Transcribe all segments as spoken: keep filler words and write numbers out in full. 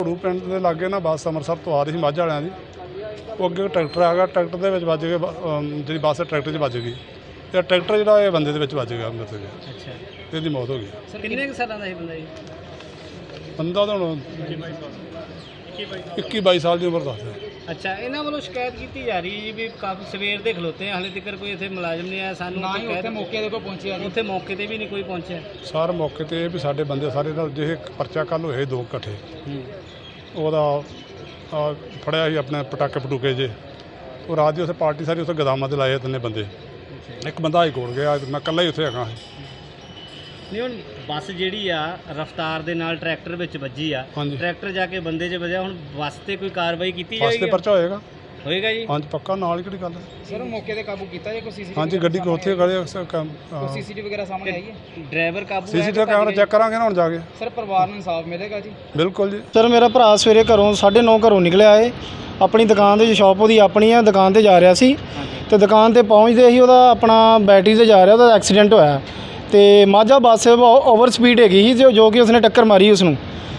ਘੜੂ ਪਿੰਡ ਦੇ ਲਾਗੇ ਨਾ ਬੱਸ ਅੰਮ੍ਰਿਤਸਰ ਤੋਂ ਆ ਰਹੀ ਸੀ ਮੱਝ ਵਾਲਿਆਂ ਦੀ। ਉਹ ਅੱਗੇ ਟਰੈਕਟਰ ਆ ਗਿਆ, ਟਰੈਕਟਰ ਦੇ ਵਿੱਚ ਵੱਜ ਕੇ ਜਿਹੜੀ ਬੱਸ ਟਰੈਕਟਰ 'ਚ ਵੱਜ ਗਈ ਅਤੇ ਟਰੈਕਟਰ ਜਿਹੜਾ ਇਹ ਬੰਦੇ ਦੇ ਵਿੱਚ ਵੱਜ ਗਿਆ, ਅੰਦਰ ਤੇ ਗਿਆ। ਅੱਛਾ, ਇਹਦੀ ਮੌਤ ਹੋ ਗਈ। ਕਿੰਨੇ ਕੁ ਸਾਲਾਂ ਦਾ ਸੀ ਬੰਦਾ ਜੀ? ਬੰਦਾ ਤਾਂ ਹੁਣ ਇੱਕੀ ਬਾਈ ਸਾਲ ਦੀ ਉਮਰ ਦੱਸਦਾ। ਅੱਛਾ, ਇਹਨਾਂ ਵੱਲੋਂ ਸ਼ਿਕਾਇਤ ਕੀਤੀ ਜਾ ਰਹੀ ਹੈ ਜੀ ਵੀ ਕਾਫੀ ਸਵੇਰ ਦੇ ਖਲੋਤੇ ਆ, ਹਾਲੇ ਤੱਕ ਕੋਈ ਇੱਥੇ ਮੁਲਾਜ਼ਮ ਨਹੀਂ ਆਇਆ। ਸਾਨੂੰ ਨਾ ਹੀ ਉੱਥੇ ਮੌਕੇ ਦੇ ਕੋਲ ਪਹੁੰਚਿਆ ਜੀ, ਉੱਥੇ ਮੌਕੇ ਤੇ ਵੀ ਨਹੀਂ ਕੋਈ ਪਹੁੰਚਿਆ। ਸਾਰ ਮੌਕੇ ਤੇ ਇਹ ਵੀ ਸਾਡੇ ਬੰਦੇ ਸਾਰੇ ਨਾਲ ਜਿਹੇ ਪਰਚਾ ਕੱਲ੍ਹ ਹੋਏ ਦੋ ਇਕੱਠੇ, ਉਹਦਾ ਫੜਿਆ ਸੀ ਆਪਣੇ ਪਟਾਕੇ ਪਟੂਕੇ ਜੇ। ਉਹ ਰਾਤ ਦੀ ਉੱਥੇ ਪਾਰਟੀ ਸਾਰੀ ਉੱਥੇ ਗੋਦਾਮਾਂ 'ਤੇ ਲਾਏ ਤਿੰਨੇ ਬੰਦੇ। ਇੱਕ ਬੰਦਾ ਹਾਈ ਕੋਰਟ ਗਿਆ, ਮੈਂ ਇਕੱਲਾ ਹੀ ਉੱਥੇ ਹੈਗਾ। ਨਹੀਂ, ਹੁਣ ਬੱਸ ਜਿਹੜੀ ਆ ਰਫ਼ਤਾਰ ਦੇ ਨਾਲ ਟਰੈਕਟਰ ਵਿੱਚ ਵੱਜੀ ਆ, ਹਾਂਜੀ, ਟਰੈਕਟਰ ਜਾ ਕੇ ਬੰਦੇ 'ਚ ਵੱਜਿਆ। ਹੁਣ ਬੱਸ ਤੇ ਕੋਈ ਕਾਰਵਾਈ ਕੀਤੀ ਬੱਸ ਜਾਏਗੀ? ਤੇ ਪਰਚਾ ਹੋਏਗਾ ਹੋਏਗਾ ਜੀ। ਹਾਂਜੀ, ਪੱਕਾ। ਨਾਲ ਹੀ ਕਿਹੜੀ ਗੱਲ ਹੈ ਸਰ, ਮੌਕੇ ਤੇ ਕਾਬੂ ਕੀਤਾ ਜਾਂ ਕੋਈ ਸੀਸੀਟੀਵੀ? ਹਾਂਜੀ, ਗੱਡੀ ਕੋ ਉੱਥੇ ਖੜੇ ਸੀਸੀਟੀਵੀ ਵਗੈਰਾ ਸਾਹਮਣੇ ਆਈ ਹੈ? ਡਰਾਈਵਰ ਕਾਬੂ ਹੈ? ਸੀਸੀਟੀਵੀ ਕੈਮਰਾ ਚੈੱਕ ਕਰਾਂਗੇ ਨਾ ਹੁਣ ਜਾ ਕੇ। ਸਰ, ਪਰਿਵਾਰ ਨੂੰ ਇਨਸਾਫ ਮਿਲੇਗਾ ਜੀ? ਬਿਲਕੁਲ ਜੀ। ਸਰ, ਮੇਰਾ ਭਰਾ ਸਵੇਰੇ ਘਰੋਂ ਸਾਢੇ ਨੌ ਘਰੋਂ ਨਿਕਲਿਆ ਏ, ਆਪਣੀ ਦੁਕਾਨ ਦੇ ਸ਼ਾਪ ਉਹਦੀ ਆਪਣੀ ਆ, ਦੁਕਾਨ ਤੇ ਜਾ ਰਿਹਾ ਸੀ ਤੇ ਦੁਕਾਨ ਤੇ ਪਹੁੰਚਦੇ ਹੀ ਉਹਦਾ ਆਪਣਾ ਬੈਟਰੀ ਤੇ ਜਾ ਰਿਹਾ, ਉਹਦਾ ਐਕਸੀਡੈਂਟ ਹੋਇਆ ਤੇ ਮਾਝਾ ਬੱਸ ਓਵਰ ਸਪੀਡ ਹੈਗੀ ਸੀ ਜੋ ਕਿ ਉਸਨੇ ਟੱਕਰ ਮਾਰੀ ਉਸਨੂੰ।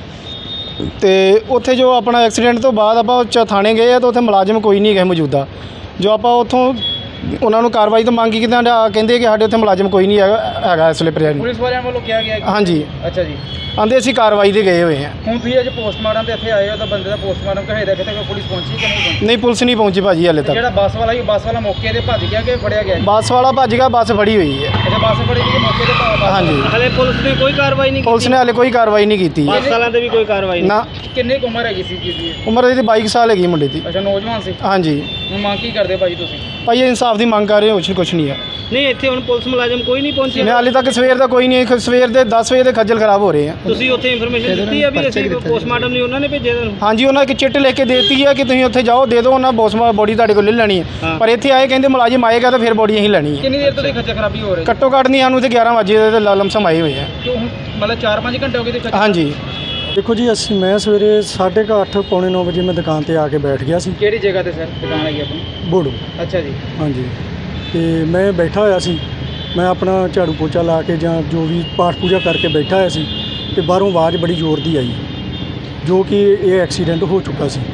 ਤੇ ਉੱਥੇ ਜੋ ਆਪਣਾ ਐਕਸੀਡੈਂਟ ਤੋਂ ਬਾਅਦ ਆਪਾਂ ਥਾਣੇ ਗਏ ਆ ਤਾਂ ਉੱਥੇ ਮੁਲਾਜ਼ਮ ਕੋਈ ਨਹੀਂ ਗਏ ਮੌਜੂਦਾ। ਜੋ ਆਪਾਂ ਉੱਥੋਂ ਉਹਨਾਂ ਨੂੰ ਕਾਰਵਾਈ ਤੋਂ ਮੰਗ ਕੀਤੀ, ਕਹਿੰਦੇ ਕਿ ਸਾਡੇ ਉੱਥੇ ਮੁਲਾਜ਼ਮ ਕੋਈ ਨਹੀਂ ਹੈਗਾ ਹੈਗਾ ਇਸ ਵੇਲੇ ਪ੍ਰੈਜ਼ੈਂਟ। ਪੁਲਿਸ ਵਾਲਿਆਂ ਵੱਲੋਂ ਕਿਹਾ ਗਿਆ? ਹਾਂਜੀ। ਅੱਛਾ ਜੀ। ਆਂਦੇ ਅਸੀਂ ਕਾਰਵਾਈ ਤੇ ਗਏ ਹੋਏ ਹਾਂ। ਹੁਣ ਤੁਸੀਂ ਅੱਜ ਪੋਸਟਮਾਰਟਮ ਤੇ ਇੱਥੇ ਆਏ ਹੋ ਤਾਂ ਬੰਦੇ ਦਾ ਪੋਸਟਮਾਰਟਮ ਕਹੇਦਾ ਕਿਤੇ ਕੋਈ ਪੁਲਿਸ ਪਹੁੰਚੀ ਕਿ ਨਹੀਂ ਪਹੁੰਚੀ? ਨਹੀਂ, ਪੁਲਿਸ ਨਹੀਂ ਪਹੁੰਚੀ ਭਾਜੀ ਹਾਲੇ ਤੱਕ। ਜਿਹੜਾ ਬੱਸ ਵਾਲਾ ਸੀ, ਬੱਸ ਵਾਲਾ ਮੌਕੇ ਤੇ ਭੱਜ ਗਿਆ ਕਿ ਫੜਿਆ ਗਿਆ? ਬੱਸ ਵਾਲਾ ਭੱਜ ਗਿਆ, ਬੱਸ ਫੜੀ ਹੋਈ ਹੈ। ਅੱਛਾ, ਬੱਸ ਫੜੀ ਗਈ ਮੌਕੇ ਤੇ? ਹਾਂਜੀ। ਹਲੇ ਪੁਲਿਸ ਨੇ ਕੋਈ ਕਾਰਵਾਈ ਨਹੀਂ ਕੀਤੀ? ਪੁਲਿਸ ਨੇ ਹਾਲੇ ਕੋਈ ਕਾਰਵਾਈ ਨਹੀਂ ਕੀਤੀ। ਬੱਸ ਵਾਲਿਆਂ ਤੇ ਵੀ ਕੋਈ ਕਾਰਵਾਈ ਨਹੀਂ? ਨਾ। ਕਿੰਨੀ ਕੁ ਉਮਰ ਹੈਗੀ ਸੀ ਜੀ? ਉਮਰ ਇਹਦੀ ਬਾਈ ਸਾਲ ਹੈਗੀ ਮੁੰਡੇ ਦੀ। ਅੱਛਾ, ਨੌਜਵਾਨ ਸੀ। ਹਾਂਜੀ। ਹੁਣ ਮੰਗ ਕੀ ਕਰਦੇ ਭਾਜੀ ਤੁਸੀਂ? ਭਾਈ ਇਨਸਾਫ ਦੀ ਮੰਗ ਕਰ ਰਹੇ ਹੋ, ਕੁਛ ਨਹੀਂ ਹੈ। ਨਹੀਂ, ਇੱਥੇ ਹੁਣ ਪੁਲਿਸ ਮੁਲਾਜ਼ਮ ਕੋਈ ਨਹੀਂ ਪਹੁੰਚਿਆ? ਹਾਲੇ ਤੱਕ ਸਵੇਰ ਦਾ ਕੋਈ ਨਹੀਂ। ਸਵੇਰ ਦੇ ਦਸ ਵਜੇ ਦੇ ਖੱਜਲ ਖਰਾਬ ਹੋ ਰਹੇ ਆ। ਤੁਸੀਂ ਉੱਥੇ ਇਨਫੋਰਮੇਸ਼ਨ ਦਿੱਤੀ ਆ ਵੀ ਅਸੀਂ ਪੋਸਟਮਾਰਟਮ ਨਹੀਂ ਉਹਨਾਂ ਨੇ ਭੇਜਿਆ ਤੁਹਾਨੂੰ? ਹਾਂਜੀ, ਉਹਨਾਂ ਇੱਕ ਚਿੱਟ ਲਿਖ ਕੇ ਦੇ ਦਿੱਤੀ ਹੈ ਕਿ ਤੁਸੀਂ ਉੱਥੇ ਜਾਓ, ਦੇ ਦਿਓ, ਉਹਨਾਂ ਪੋਸਟਮਾਰਟਮ ਬੋਡੀ ਤੁਹਾਡੇ ਕੋਲ ਲੈ ਲੈਣੀ ਹੈ। ਪਰ ਇੱਥੇ ਆਏ ਕਹਿੰਦੇ ਮੁਲਾਜ਼ਮ ਆਏਗਾ ਤਾਂ ਫਿਰ ਬੋਡੀ ਅਸੀਂ ਲੈਣੀ ਹੈ। ਕਿੰਨੀ ਦੇਰ ਤੋਂ ਖੱਜਲ ਖਰਾਬੀ ਹੋ ਰਹੀ? ਘੱਟੋ ਘੱਟ ਨਹੀਂ, ਸਾਨੂੰ ਤੇ ਗਿਆਰਾਂ ਵਜੇ ਦੇ ਲਮਸਮ ਆਏ ਹੋਏ ਆ। ਕਿਉਂ, ਮਤਲਬ ਚਾਰ ਪੰਜ ਘੰਟੇ ਹੋ ਗਏ? ਹਾਂਜੀ। ਦੇਖੋ ਜੀ, ਅਸੀਂ ਮੈਂ ਸਵੇਰੇ ਸਾਢੇ ਕੁ ਅੱਠ ਪੌਣੇ ਨੌ ਵਜੇ ਮੈਂ ਦੁਕਾਨ ਤੇ ਆ ਕੇ ਬੈਠ ਗਿਆ ਸੀ। ਕਿਹੜੀ ਜਗ੍ਹਾ ਤੇ ਸਰ ਦੁਕਾਨ ਹੈਗੀ ਆਪਣੀ? ਬੋੜੂ। ਅੱਛਾ ਜੀ। ਹਾਂਜੀ। ਤੇ ਮੈਂ ਬੈਠਾ ਹੋਇਆ ਸੀ, ਮੈਂ ਆਪਣਾ ਝਾੜੂ ਪੋਚਾ ਲਾ ਕੇ ਜਾਂ ਜੋ ਵੀ ਪਾਠ ਪੂਜਾ ਕਰਕੇ ਬੈਠਾ ਹੋਇਆ ਸੀ ਤੇ ਬਾਹਰੋਂ ਆਵਾਜ਼ ਬੜੀ ਜ਼ੋਰ ਦੀ ਆਈ ਜੋ ਕਿ ਇਹ ਐਕਸੀਡੈਂਟ ਹੋ ਚੁੱਕਾ ਸੀ।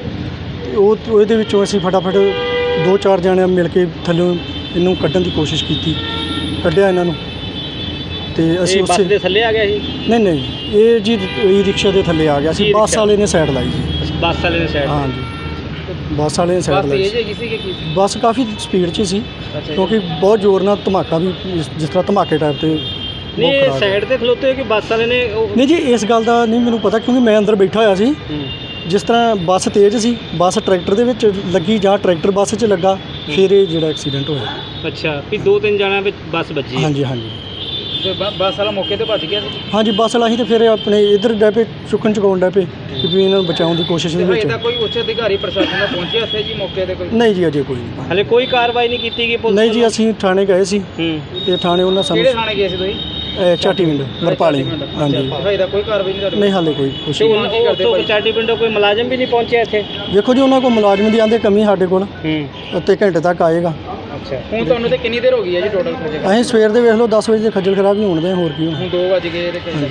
ਤੇ ਉਹ ਉਹਦੇ ਵਿੱਚੋਂ ਅਸੀਂ ਫਟਾਫਟ ਦੋ ਚਾਰ ਜਣੇ ਮਿਲ ਕੇ ਥੱਲੋਂ ਇਹਨੂੰ ਕੱਢਣ ਦੀ ਕੋਸ਼ਿਸ਼ ਕੀਤੀ, ਕੱਢਿਆ ਇਹਨਾਂ ਨੂੰ। ਤੇ ਅਸੀਂ ਉਸੇ ਬੱਸ ਦੇ ਥੱਲੇ ਆ ਗਿਆ ਸੀ? ਨਹੀਂ ਨਹੀਂ, ਇਹ ਜੀ ਇਹ ਰਿਕਸ਼ਾ ਦੇ ਥੱਲੇ ਆ ਗਿਆ ਸੀ। ਬੱਸ ਵਾਲੇ ਨੇ ਸਾਈਡ ਲਾਈ ਜੀ। ਬੱਸ ਵਾਲੇ ਨੇ ਸਾਈਡ? ਹਾਂਜੀ, ਬੱਸ ਵਾਲੇ ਨੇ ਸਾਈਡ ਲਾਈ ਸੀ। ਬੱਸ ਕਾਫੀ ਸਪੀਡ 'ਚ ਸੀ ਕਿਉਂਕਿ ਬਹੁਤ ਜ਼ੋਰ ਨਾਲ ਧਮਾਕਾ ਵੀ ਜਿਸ ਜਿਸ ਤਰ੍ਹਾਂ ਧਮਾਕੇ ਟਾਈਪ ਤੇ। ਨਹੀਂ, ਸਾਈਡ ਤੇ ਖਲੋਤੇ ਹੋ ਕਿ ਬੱਸ ਵਾਲੇ ਨੇ? ਨਹੀਂ ਜੀ, ਇਸ ਗੱਲ ਦਾ ਨਹੀਂ ਮੈਨੂੰ ਪਤਾ ਕਿਉਂਕਿ ਮੈਂ ਅੰਦਰ ਬੈਠਾ ਹੋਇਆ ਸੀ। ਜਿਸ ਤਰ੍ਹਾਂ ਬੱਸ ਤੇਜ਼ ਸੀ, ਬੱਸ ਟਰੈਕਟਰ ਦੇ ਵਿੱਚ ਲੱਗੀ ਜਾਂ ਟਰੈਕਟਰ ਬੱਸ 'ਚ ਲੱਗਾ, ਫਿਰ ਇਹ ਜਿਹੜਾ ਐਕਸੀਡੈਂਟ ਹੋਇਆ। ਅੱਛਾ, ਵੀ ਦੋ ਤਿੰਨ ਜਣਿਆਂ ਵਿੱਚ ਬੱਸ ਵੱਜੀ? ਹਾਂਜੀ ਹਾਂਜੀ। ਬੱਸ ਵਾਲਾ ਮੌਕੇ ਤੇ ਭੱਜ ਗਿਆ ਸੀ? ਹਾਂਜੀ, ਬੱਸ ਵਾਲਾ ਹੀ ਤੇ ਫਿਰ ਆਪਣੇ ਇੱਧਰ ਡੈ ਪਏ ਚੁੱਕਣ ਚੁਕਾਉਣ ਡੈ ਪਏ ਕਿ ਵੀ ਇਹਨਾਂ ਨੂੰ ਬਚਾਉਣ ਦੀ ਕੋਸ਼ਿਸ਼ ਦੇ ਵਿੱਚ। ਕੋਈ ਉੱਚ ਅਧਿਕਾਰੀ ਪ੍ਰਸ਼ਾਸਨ ਦਾ ਪਹੁੰਚਿਆ ਇੱਥੇ ਜੀ ਮੌਕੇ ਤੇ? ਕੋਈ ਨਹੀਂ ਜੀ, ਅਜੇ ਕੋਈ ਨਹੀਂ। ਹਲੇ ਕੋਈ ਕਾਰਵਾਈ ਨਹੀਂ ਕੀਤੀ ਗਈ ਪੁਲਿਸ? ਨਹੀਂ ਜੀ, ਅਸੀਂ ਥਾਣੇ ਗਏ ਸੀ ਤੇ ਥਾਣੇ ਉਹਨਾਂ ਸਾਨੂੰ। ਕਿਹੜੇ ਥਾਣੇ ਗਏ ਸੀ ਤੁਸੀਂ? ਚਾਟੀ ਪਿੰਡ ਵਰਪਾਲੀ। ਹਾਂਜੀ। ਇਹਦਾ ਕੋਈ ਕਾਰਵਾਈ ਨਹੀਂ? ਨਹੀਂ, ਹਾਲੇ ਕੋਈ ਕੁਛ ਨਹੀਂ। ਕੀ ਕਰਦੇ ਭਾਈ? ਚਾਟੀ ਪਿੰਡੋਂ ਕੋਈ ਮੁਲਾਜ਼ਮ ਵੀ ਨਹੀਂ ਪਹੁੰਚਿਆ ਇੱਥੇ? ਦੇਖੋ ਜੀ, ਉਹਨਾਂ ਕੋਲ ਮੁਲਾਜ਼ਮ ਦੀ ਆਂਦੇ ਕਮੀ ਸਾਡੇ ਕੋਲ ਉੱਤੇ ਘੰਟੇ ਤੱਕ ਆਏਗਾ। ਅੱਛਾ, ਹੁਣ ਤੁਹਾਨੂੰ ਤੇ ਕਿੰਨੀ ਦੇਰ ਹੋ ਗਈ ਹੈ ਜੀ ਟੋਟਲ? ਅਸੀਂ ਸਵੇਰ ਦੇ ਵੇਖ ਲਓ ਦਸ ਵਜੇ ਦੇ ਖੱਜਲ ਖਰਾਬ ਹੀ ਹੋਣ ਦੇ, ਹੋਰ ਕੀ। ਹੁਣ ਦੋ ਵੱਜ ਗਏ ਤੇ